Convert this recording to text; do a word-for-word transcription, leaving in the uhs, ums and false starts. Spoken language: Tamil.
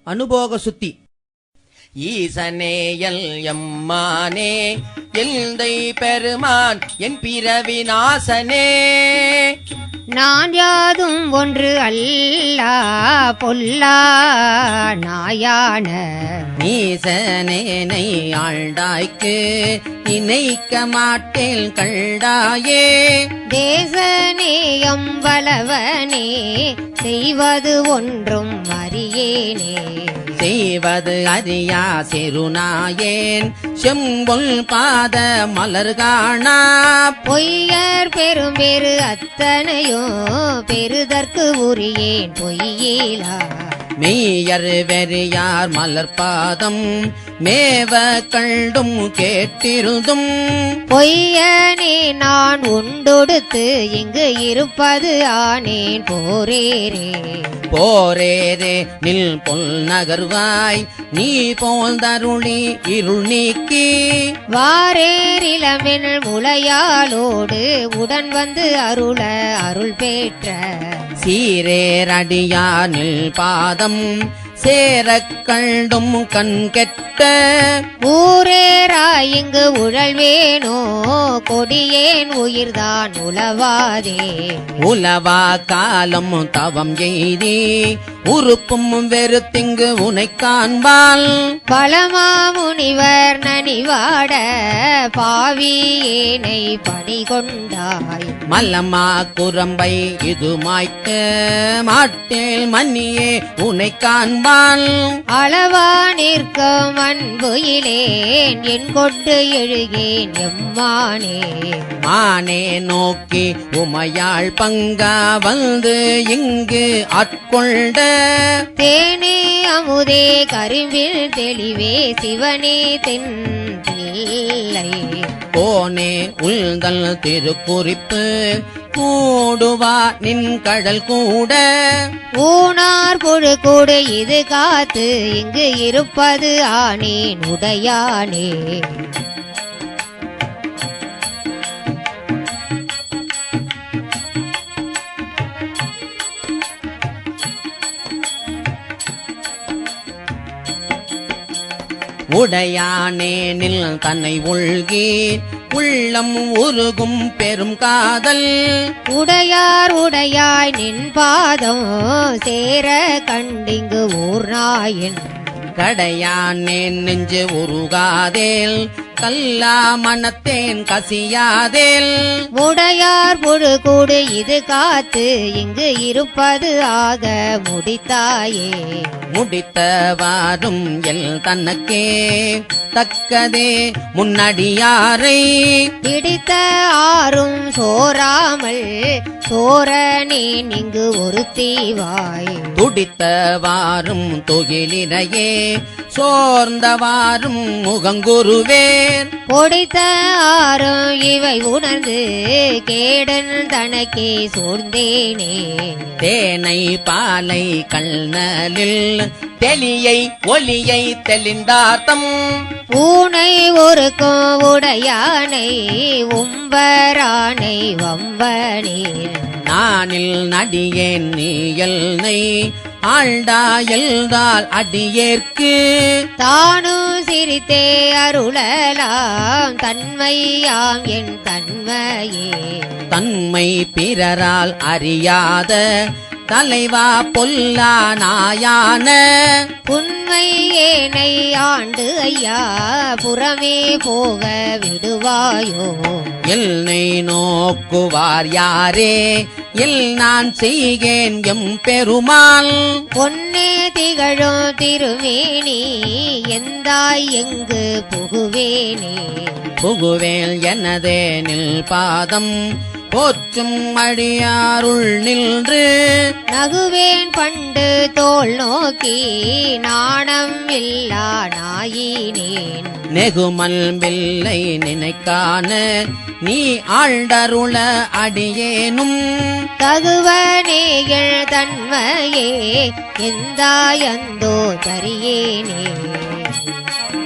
அனுபோக சுத்தி. ஈசனேயல் எம்மானே எந்தை பெருமான் என் பிறவி நாசனே. நான் யாதும் ஒன்று அல்லா பொல்லா நாயான நீசனேனை ஆழ்ந்தாய்க்கு நினைக்க மாட்டேன் கண்டாயே. தேசநேயம் வளவனே செய்வது ஒன்றும் அறியேனே. செய்வது அறியா சிறுநாயேன் செம்பொல் பாத மலர்காணா. பொய்யர் பெரும் பெரு அத்தனையோ பெருதற்கு உரியேன் பொய்யேலா. மெய்யர் வெறியார் மலர்பாதம் மேவ கண்டும் கேட்டிருந்தும். பொய்யனே நான் உண்டொடுத்து இங்கு இருப்பது ஆனேன் போரேரே. போரேரே நில் பொல் நகர்வாய் நீ போல் தருளி இருள் நீக்கி. வாரேரிளமென் முளையாலோடு உடன் வந்து அருள அருள் பெற்ற. சீரேரடியார் நில் பாதம் சேரக் கண்டும் கண் கெட்ட. ஊரேராய் இங்கு உழல்வேனோ கொடியேன் உயிர்தான் உளவாதே. உலவா காலம் தவம் எய்தி உறுப்பும் வெறுத்திங்கு உனை காண்பால். பலமா முனிவர் நனிவாட பாவியேனை பணிகொண்டாய். மல்லமா குரம்பை இது மாய்க்க மாட்டேல் மன்னியே உனை காண்பான். அளவா நிற்கும் அன்பு இலேன் என் கொண்டு எழுகேன் எம்மானே. மானே நோக்கி உமையாள் பங்கா வந்து இங்கு ஆட்கொண்ட. தேனே அமுதே கரும்பில் தெளிவே சிவனே தென் பிள்ளை. போனே உள்தல் திருக்குறிப்பு கூடுவா நின் கடல் கூட. ஊனார் புழு கூடு இது காத்து இங்கு இருப்பது ஆனேன் உடையானே. உடையானேனில் தன்னை உள்கி உள்ளம் உருகும் பெரும் காதல். உடையார் உடையாய் நின் பாதம் சேர கண்டிங்கு ஊர் நாயின். கடையானேன் நெஞ்சு உருகாதேல் கல்லா மனத்தேன் கசியாதேல். உடையார் புழு கூடு இது காத்து இங்கு இருப்பது ஆக முடித்தாயே. முடித்தவாறும் எல் தனக்கே தக்கதே முன்னடியாரை. பிடித்த ஆறும் சோராமல் சோரனேன் இங்கு ஒரு தீவாய். துடித்தவாறும் தொகிலினையே சோர்ந்தவாறும் முகங்குருவேர். பொடித்த ஆறும் இவை உணர்ந்து கேடன் தனக்கே சோர்ந்தேனே. தேனை பாலை கண்ணலில் தெளியை ஒலியை தெளிந்தார்த்தம். பூனை ஒருக்கும் உடையானை உம்பரானை வம்பனீர். நானில் நடியேன் நீயல்னை ஆழ்டா எல்தால் அடியேற்கு. தானும் சிரித்தே அருளலாம் தன்மையாம் என் தன்மையே. தன்மை பிறரால் அறியாத தலைவா பொல்லா நாயான. உண்மை ஏனை ஆண்டு ஐயா புறமே போக விடுவாயோ. எல்னை நோக்குவார் யாரே எல் நான் செய்கேன் எம் பெருமாள். பொன்னே திகழும் திருமேனி எந்தாய் எங்கு புகுவேனே. புகுவேல் எனதே நில் பாதம் போற்றும் அடியாருள் நின்று. நகுவேன் பண்டு தோல் நோக்கி நாணம் இல்லா நாயினேன். நெகுமல் பில்லை நினைக்கான நீ ஆழ்டருள அடியேனும். தகுவனேகள் தன்மையே எந்தாயந்தோ தரியேனே.